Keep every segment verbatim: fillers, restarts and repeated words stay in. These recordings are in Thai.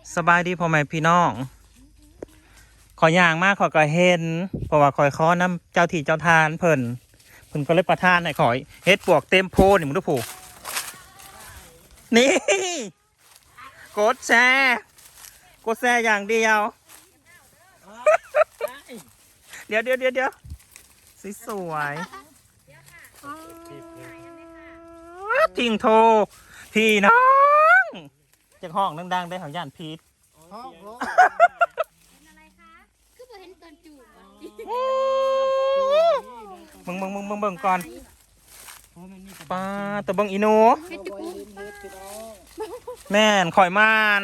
สบายดีพ่อแม่พี่น้องขอย่างมากขอก็เห็นเพราะว่าคอยขอน้ำเจ้าที่เจ้าทานเพิ่นเพิ่นก็เลยประทานให้ขอยเฮ็ดปวกเต็มโพนี่มึงดูผูนี่กดแชร์กดแชร์อย่างเดียวเดี๋ยวเดี๋ยวเดี๋ยวเดี๋ยวสวยๆทิ้งโทรพี่น้องจากห้องดังๆได้ของย่านพีทมึงมึงมึงมึงเบิ่งก่อนปลาตัวเบิ่งอีโนแม่นข่อยมาน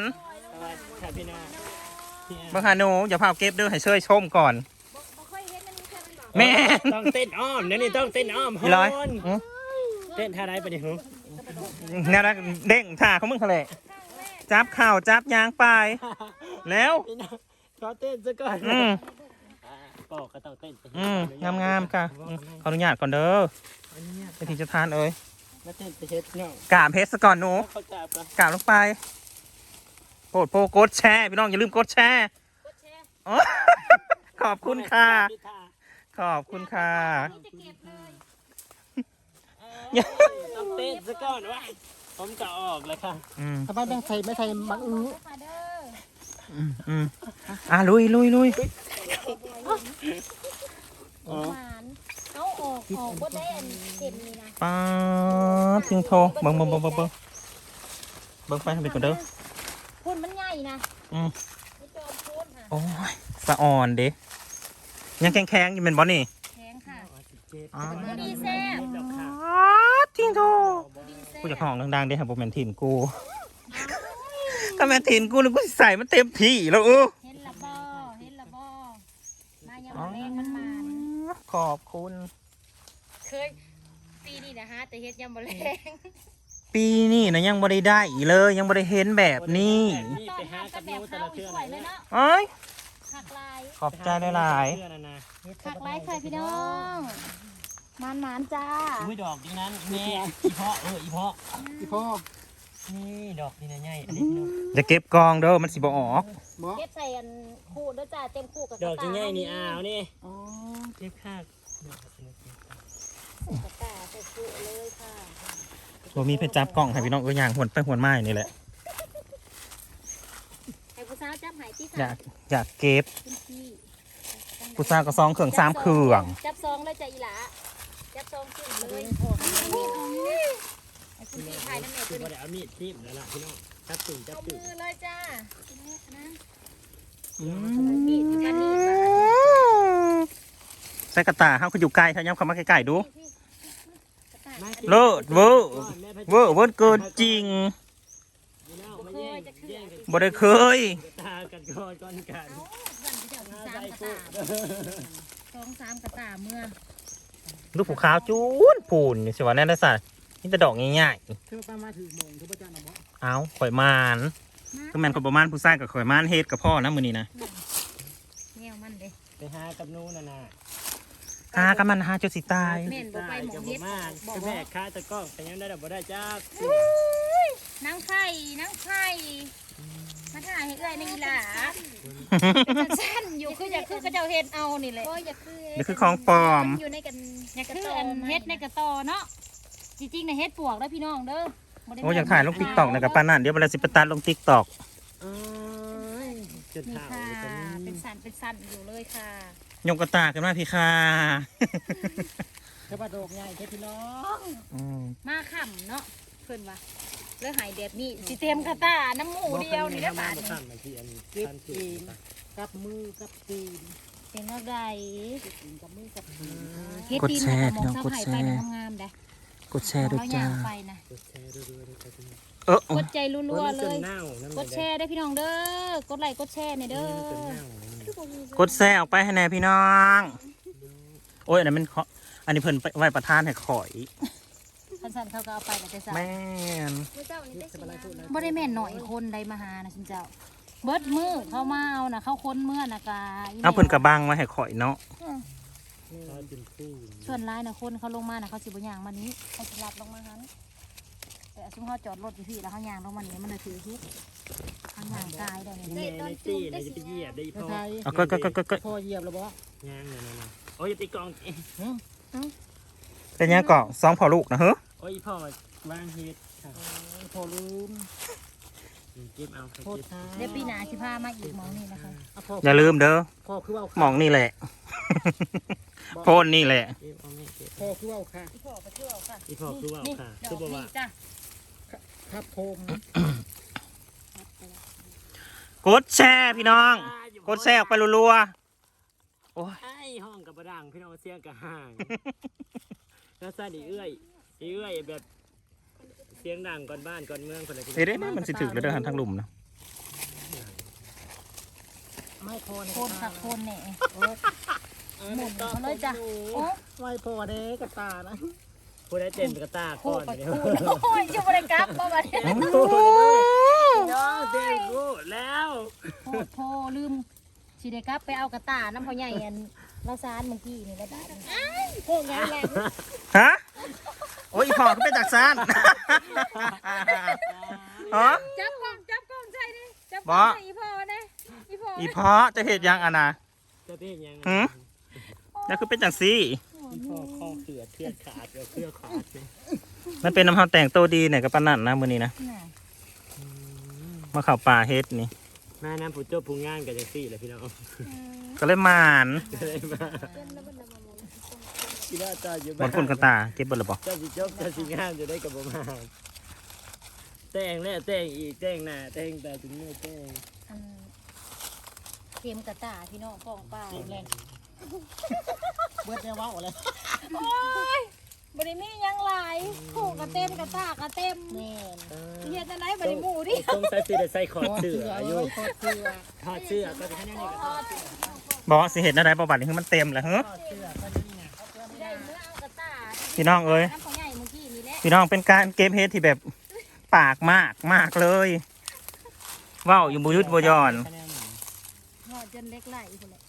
เบิ่งหาหนูอย่าพาเก็บเด้อให้เชยชมก่อนแม่ต้องเต้นอ้อมเดี๋ยวนี้ต้องเต้นอ้อมฮอนเต้นท่าไรไปดิฮึนี่นะเด้งท่าเขามึงทะเลจับข่าวจับยางไปแล้วขอเต้นซะก่อนอืมปอกก็ต้องเต้นอืมงามงามค่ะขออนุญาตก่อนเด้อเป็นที่จะทานเอ้ยกาบเพชรก่อนหนูกาบลงไปโปรดโปรกดแชร์พี่น้องอย่าลืมกดแชร์ขอบคุณค่ะขอบคุณค่ะต้องเต้นซะก่อนวะผมจะออกเลยค่ะทำไมไม่ใส่ไม่ใส่บังอื้ออืมอืมอ่ะลุยลุยลุยหวานเอาออกออกก็ได้อันเต็มนี่นะป้าทิ้งโทรเบิ่งเบิ่งเบิ่งเบิ่งเบิ่งเบิ่งไปทำเป็นก่อนเด้อพ่นมันใหญ่นะอืมโอ้ยสะอ่อนเด้ยังแข็งแข็งอยู่เป็นบอลนี่แข็งค่ะดีแซ่บทิ้งโทรกูจะห้องดังๆเด้ครับผมแมนทินกูก็แมนทินกูเลยกูใส่มันเต็มที่แล้วเออเห็นละบ่เห็นละบ่มายังมาแรงมันมาขอบคุณเคยปีนี้นะฮะแต่เฮ็ดยังบ่แรงปีนี้นะยังบ่ได้ได้อีเลยยังบ่ได้เห็นแบบนี้ไปหากับนิ้วแต่ละเทื่อเลยเนาะเอ้ยขอบใจหลายๆหักไลค์ค่ะพี่น้องมานมานจ้าอุ้ยดอกนี้นั้นแม่อีพ่อเอออีพ่ออีพ่อนี่ดอกนี่นะใหญ่จะเก็บกองเด้อมันสิบ่ออกเก็บใส่อันคู่เด้อจ้าเต็มคู่กับดอกใหญ่นี่อ้าวนี่อ๋อเก็บข้าวกระตาใส่คู่เลยค่ะบ่มีเพชรจับกล้องให้พี่น้องเอ้ยย่างหวนไปหวนไม้นี่แหละให้ผู้สาวจับหายที่อยากอยากเก็บผู้สาวก็ซองเครื่องสามเครื่องจับซองเลยจ้ะอีหลาจับซองขึ้นเลยไอ้คุณพี่ถ่ายนั่นเองคือเดี๋ยวเอามีดทิ่มแล้วล่ะพี่น้องจับตุ่มจับตุ่มมือเลยจ้าใส่กระตาเขาคืออยู่ไกลถ้าย้ำคำว่าใกล้ๆดูเลิศเวอร์เวอร์เวอร์เกินจริงบ่ได้เคยตากันก่อนก่อนกันสองสามกระตาเมื่อลูกผูขาวจูนปูนสิวะแน่นได้สัตว์นี่จะดอกง่ายๆเอาข่อยมานก็แมนข่อยประมาณผู้ชายกับข่อยมานเฮ็ดกับพ่อนะมือนี้นะแนวมันเลยไปหากับนู้นน่ะนะหากับมันหาจนสิตายแม่นบ่ไปหมองเฮ็ดบอกแม่ค้าตะก้องแต่ยังได้ดอกบ่ได้จ้านังไข่นังไข่มาถ่ายให้เอ้ยในอีหล่าสั้นอยู่คืออยากคือก็เจ้าเฮ็ดเอานี่แหละนี่คือของปลอมอยู่ในกันอยากคืออันเฮ็ดในกระตอเนาะจริงๆในเฮ็ดปวกแล้วพี่น้องเด้อโอ้อยากถ่ายลงติ๊กต็อกนะกับป้านั่นเดี๋ยวเวลาสิปตัดลงติ๊กต็อกนี่ค่ะเป็นสันเป็นสันอยู่เลยค่ะยกกระตากันมาพี่ค่ะกระบะดอกใหญ่แค่พี่น้องมาขำเนาะเพิ่นว่าเลือหายเด็ดนี่สิเต็มกระตาน้ำหมูเดียวนี่นะบ้านเก็บเองกับมือกับตีนเป็นอะไรกับมือกับตีนกดแชร์พี่น้องกดแชร์งามได้กดแชร์ด้วยจ้าเออกดใจรัวๆเลยกดแชร์ได้พี่น้องเด้อกดไลค์กดแชร์ในเด้อกดแชร์ออกไปให้แน่พี่น้องโอ้ยอันนั้นมันอันนี้เพิ่นไว้ประทานให้ข่อยสั้นๆเขาก็เอาไปแต่จะแม่นบ่ได้แม่นหน่อยคนใดมาหานะชินเจ้าเบิดมือเขามาเอานะเขาค้นเมื่อนะกาเอาเพิ่นกระบังมาให้ข่อยเนาะส่วนร้ายนะคนเขาลงมานะเขาสิบย่างมานี้เขาจะรับลงมาฮันแต่ซุ้มเขาจอดรถอยู่ที่แล้วเขาย่างลงมานี้มันเลยถือฮิตเขาห่างกายได้นี่แม่ในตี้เลยจะไปเหยียบได้อีกระพ่อไทยเอาก็ก็ก็ก็ก็พ่อเหยียบแล้วบ่ย่างเลยนะโอ้ยตีกองเป็นยังเกาะสองพอลูกนะเฮ้อโอ้ยพ่อว่างเฮ็ดพ่อลืมเก็บเอาโทษเก็บค่ะเดี๋ยวปีหน้าสิพามาอีกหมองนี่นะคะอ่ะพ่ออย่าลืมเด้อพ่อคือว่าหมองนี่แหละ โพนนี่แหละเก็บเอาไม่เก็บพ่อคือว่าค่ะอีพ่อไปเที่ยวค่ะอีพ่อคือว่าค่ะดคืออกบอกนี่ว่าจ้ะครับโคมกดแชร์พี่น้อง กดแชร์ออกไปรัวๆโอ้ยไอ้ห้องกับประดังพี่น้องเสียงกับห่างแล้วใส่ดีเอื้อยดีเอื้อยแบบเสียงดังก่อนบ้านก่อนเมืองคนละทีเฮ้ยได้มันสิถึกแล้วเด้อหันทางหลุมนะไม่พอโคนค่ะโคนแหน่หหมุนเขาเลยจ้ะโอ้ไม่พอเด้กระตานะผู้ได้เต้นกระตาโคก่อนไปเดี๋ยวคูณโอ้ยจะบริกรรมบ่บัดนี้น้องเต้นกูแล้วโคตรโพลืมสิได้กลับไปเอากระตาน้ำพ่อใหญ่อันเราซานเมื่อกี้นี่แล้วบาดนี้โคตรใหญ่แรงฮะโอ้ยอีพอก็เป็นจากซานฮะจับกล้องจับกล้องใช่ดิจับกบ่ล้องใส่อีพ่อนะอีพ่ออีพอจะเห็ดยังอะนะจะเต้นยังหืมนั่นคือเป็นจากซี่พ่อข้อเขือเทือนขาดเดี๋ยวเครือขาดเลยมันเป็นน้ำเฮาแต่งตัวดีเนี่ยกับปานนั่นนะมื้อนี้นะน่ะมาเข้าป่าเฮ็ดนี่แม่น้ำผู้เจ้าผู้งานกับจังซี่เลยพี่น้องก็เลยหมานก็เลยมาคิดว่าเจ้าอยู่บบ้านนคนกันตาเก็บเบ่ละบ่เจ้าสิจบเจ้าสิงานจะได้กับผมมาแต่งแล้วแต่งอีกแต่งหน้าแต่งแต่ถึงเมื่อแต่งอันเกมกระตาพี่น้องป้องป้าแรงเบิดแนวเว้าเลยโอ้ยบริมีหยังหลายผูกกระเต็มกระตากระเต็มแม่นเฮ็ดจังได๋บริหมู่ดิต้องใส่เสื้อใส่คอพอเสื้เสือออยู่พอเสือถอดเสื้อก็จะให้นั่นนี่ก็ถอดเสื้อบ่สิเฮ็ดอะไรบ่บัดนี้คือมันเต็มแล้วเฮ้อพอเสือก็นี่นะได้เมื่อเอากระตาพี่น้องเอ้ยน้ำพ่อใหญ่เมื่อกี้นี่แหละพี่น้องเป็นการเก็บเฮ็ดที่แบบปากมากมากเลยเว้าอยู่บ่หยุดบ่หย่อนหอดจนเล็กไหลพุ่นแหละ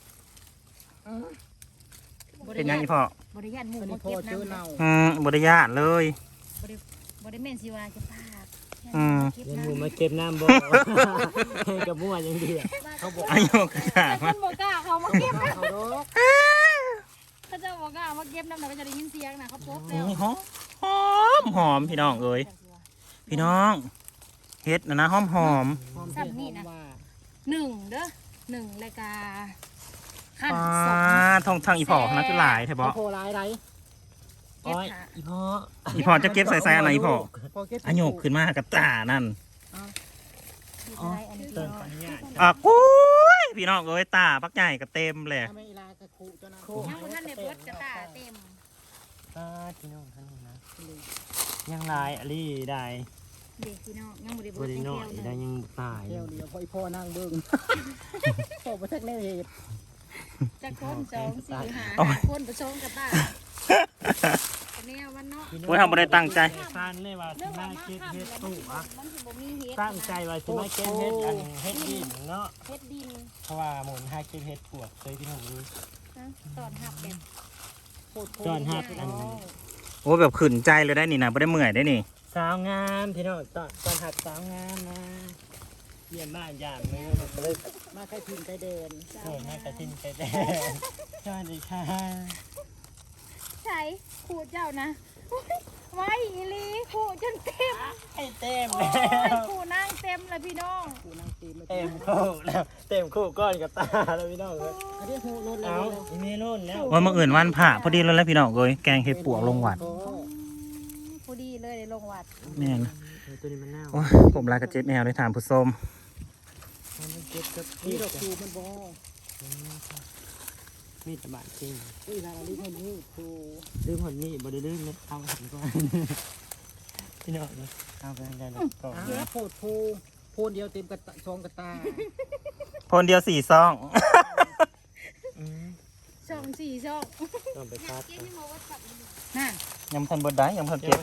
เป็นหยังอีพ่อบ่ได้ย่านหมู่อันนี้มาพ่อเก็บเจอน้ำเน่าอืมบ่ได้ญาติเลยบ่ได้แม่นสิว่าจะปากอืมเก็บยังน้ำมูมาเก็บน้ำบ่ให้กับมั่วยังดีเขาบอกอายุกระตาแต่คมานบ่กล้าเขามาเก็บนะเขาดอกเขาจะบ่กล้ามาเก็บน้ำน่ะก็จะได้ยินเสียงน่ะเขาพบแล้วนี่หอมหอมหอมพี่น้องเอ้ยพี่น้องเฮ็ดนะนะหอมหอมหอมเผ็ดหอมว่าหนึ่งเด้อหนึ่งรายการขั้นอ่าสองทองทางอีพอนะคือหลายแท้บ่โพลายไรเก็บโอ้ยขาอีพ่ออีพอจะเก็บใส่ใส่อะไรอีพอพอเก็บอายุขึ้นมากับตานั่นดูอะไรอันนี้เติพี่มน้องปัญญาอ่ะปุ้ยพี่น้องเอ้ยตาปักใหญ่ก็เต็มเลยถ้าไม่ลากระคุเจ้านะยังบ่ทันได้เบิดกระตาเต็มอ่าพี่น้องท่านนี้นะยังลายอะไรได้เด็กพี่น้องยังบ่ได้บเบิดริจังโน่เที่ยวได้เลยยังตายเที่ยวเดียวพออีพ่อนั่งเบิ้งพ่อไปทักแน่เหตุจักคนสองสี่ห้าโอ้ยคนไปชมกระตาอันนี้วันเนาะโอ้ยทำบ่ได้ตั้งใจฟันเลยว่าสิเรื่องมาว่ามาเก็บค่ำเฮ็ดแล้วตู้อะมันสิบ่มีเฮ็ดตั้งใจว่าสิมาเก็บเฮ็ดอันเฮ็ดดินเนาะเฮ็ดดินเพราะว่าหมุนหาเก็บเฮ็ดปวกเคยพี่น้องรู้นะตอนหับแบบโคตรโคจอนตรหับอันโอ้แบบขืนใจเลยได้นี่นะไม่ได้เมื่อยได้นี่สาวงามพี่น้องตอนตอนหัดสาวงามนะเยี่ยมมากยามมือมันก็เลยมาใครพิมพ์ใครเดินโอ้แม่กระทินไปแดงสวัสดีค่ะใช่ขูดเจ้านะอุ๊ยไว้อีหลีขูดจนเต็มไอ้เต็มโอ้แล้ยว ขูดนั่งเต็มเลยพี่น้องกูนั่งตีไม่เต็มคู่แล้วเต็มคู่ก้อนกับตาแล้วพี่น้องเลยอันนี้หูรถเลเอายอีเมลุ่นแล้วว่าเมื่ออื่นวันผ่าพอดีแล้วแหล้วพี่น้องเอ้ยแกงเห็ดปวกลงหวัดพอดีเลยได้ลงวัดแม่นตัวนี้มันเน่าโอ้ยผมลากระเจ็ดแนวได้ถามผู้ส้มมันเก็บกับนี่นี่ดอกคูมันบอมีดตะบานจริงอุ้ยลาลิมันนี่คูลืมหนนี่บ่ได้ลืมนะเอาหันก่อนพี่น้องนะเอาไปได้แล้วก่อนอ่าโพดโพโพนเดียวเต็มกระตาซองกระตาพนเดียวสี่ซองช่องสี่ช่องต้องไปคัดน่ะยำทันเบิดได้ยำทันเก็บ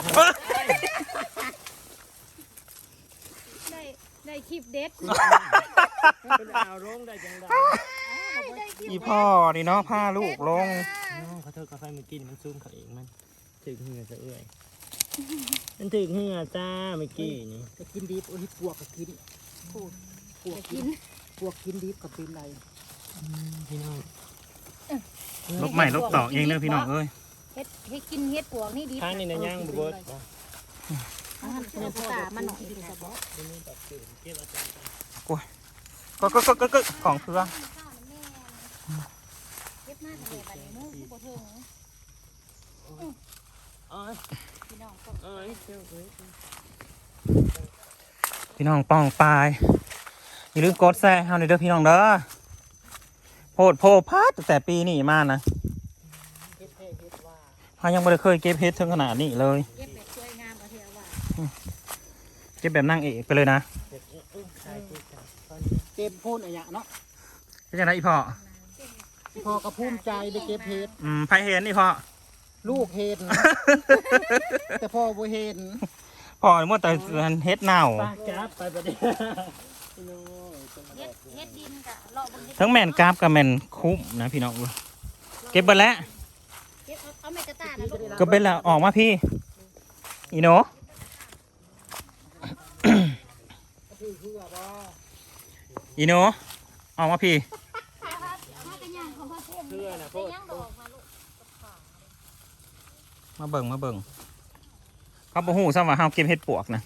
ได้ได้คลิปเด็ดเป็นเอาลงได้จังไดได้คลิปอีพ่อนี่เนาะผ้าลูกลงน้องเขาเธอกาแฟมันกินมันซุ่มเขาเองมันถึงเหงื่อจะเอื่อยมันถึงเหงื่อจ้าเมื่อกี้นี่จะกินดีโอ้ยปวกก็กินขูดพวกกินพวกกินดิบกับเป็นไรพี่น้องลบใหม่ลบต่อเองเลยพี่น้องเอ้ยเฮ็ดเฮ็ดกินเฮ็ดปวกนี่ดีทางนี้นะย่างบุเบิร์ตอ่าเนื้อปลามันหน่อยดีสะบอก็ก็ก็ก็ก็ของเครื่องเฮ็ดมากเลยบัดนี้มื้อผู้บ่ถึงเอ้ยพี่น้องก็เอ้ยเจ้าเอ้ยพี่น้องป้องปลายอย่าลืมกดแซ่เฮาหน่อยเด้อพี่น้องเด้อโพดโพพัดตั้งแต่ปีนี้มานะเฮ็ดเท่เฮ็ดว่าเฮายังไม่ได้เคยเก็บเฮ็ดถึงขนาดนี้เลยเก็บแบบสวยงามเอาเถอะว่าเก็บแบบนั่งเอกไปเลยนะเจ็บอุ้ยใช่ที่ใช่ตอนเต็มพูนอะไรเนาะเป็นยังไงอีพ่อพอกระพุ่มใจได้เก็บเฮ็ดอืมไผเห็นอีพ่อลูกเห็น แต่พ่อบ่เห็นพ่อเมื่อแต่เฮ็ดเน่าป้าจับไปประเดี๋ยวเฮ็ดเฮ็ดดินกะเลาะบนทั้งแม่นกราฟกับแม่นคุ้มนะพี่น้องเก็บไปแล้วเฮ็ดเอาเอาไม้กระตานะลูกก็เป็นแล้วออกมาพี่ อีโนคือคือว่าบ่อีโนออกมาพี่เอากระย่างของพ่อเทมเพื่อนนะโคตรย่างบอกมาลูกมาเบิ่งมาเบิ่งเขาบอกหูซ้ำว่าเฮาเก็บเห็ดปวกนะ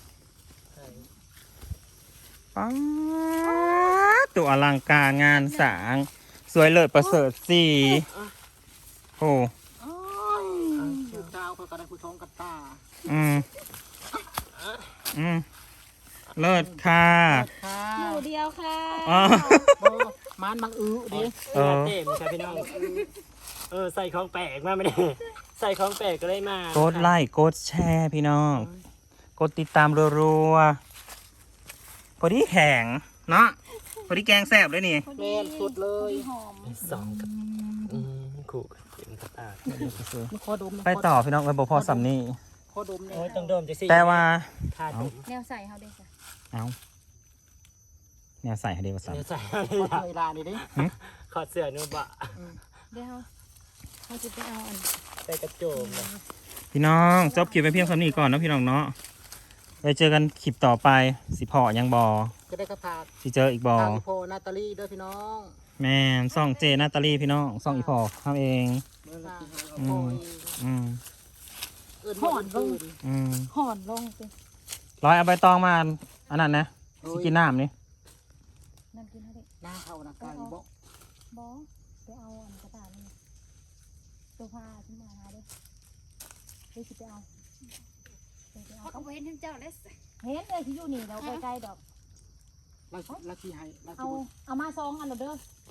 ป๊าดตัวอลังการงานสร้าง สวยเลิศประเสริฐสีโอ้ชื่อดาวเขาก็ได้ผู้ชมกันตาอืมอืมเลิศค่ะค่ะหมู่เดียวค่ะอ๋อบ่มันบังอื้อดิเออเต็มครับพี่น้องเออใส่ของแปลกมาไม่ได้ใส่ของแปลกก็ได้มากดไลค์กดแชร์พี่น้อง กดติดตามรัวๆพอดีแข็งเนาะพอดีแกงแซ่บเลยนี่แม่นสุดเลยหอมสองกับอืมขู่กับเต็มกระตากมันขอดมไปต่อพี่น้องไปบอกพอสำนี่ขอดมเนี่โอ้ยยต้องโดมจะสิแต่ว่าทาดมแนวใส่เฮาได้จ้ะเอาเนี่ยใส่ให้เดียวสัเดี๋ยวใส่ขอเวลานี่ดิขอดเสื้อนุ่มบะเดี๋ยวเฮาเฮาสิไปเอาอันใส่กระโจมเลยพี่น้องจบคลิปไปเพียงเท่านี้ก่อนเนาะพี่น้องเนาะไปเจอกันคลิปต่อไปสิพอยังบอจะได้กระพากสิเจออีกบอทางโพนาตาลีเด้อพี่น้องแม่นซ่องเจนาตาลีพี่น้องซ่องอีพอทำเองโอ้ยอืมเอิ้นบ่อื่นอืมห่อนลงไปร้อยเอาใบตองมาอันนั้นนะสิกินน้ำนี่นั่นกินเฮาได้หน้าเขานะไก่บ่บ่ไปเอาอันกระตานี่ตัวผ้าขึ้นมาหาเด้อเดี๋ยวสิไปเอาไปเอาเขาก็เห็นทั้งเจ้าเลยเห็นเลยที่อยู่นี่เราใกล้ๆดอกเราลักที่ให้ลักเอาที่เอามาซองอันเด้อ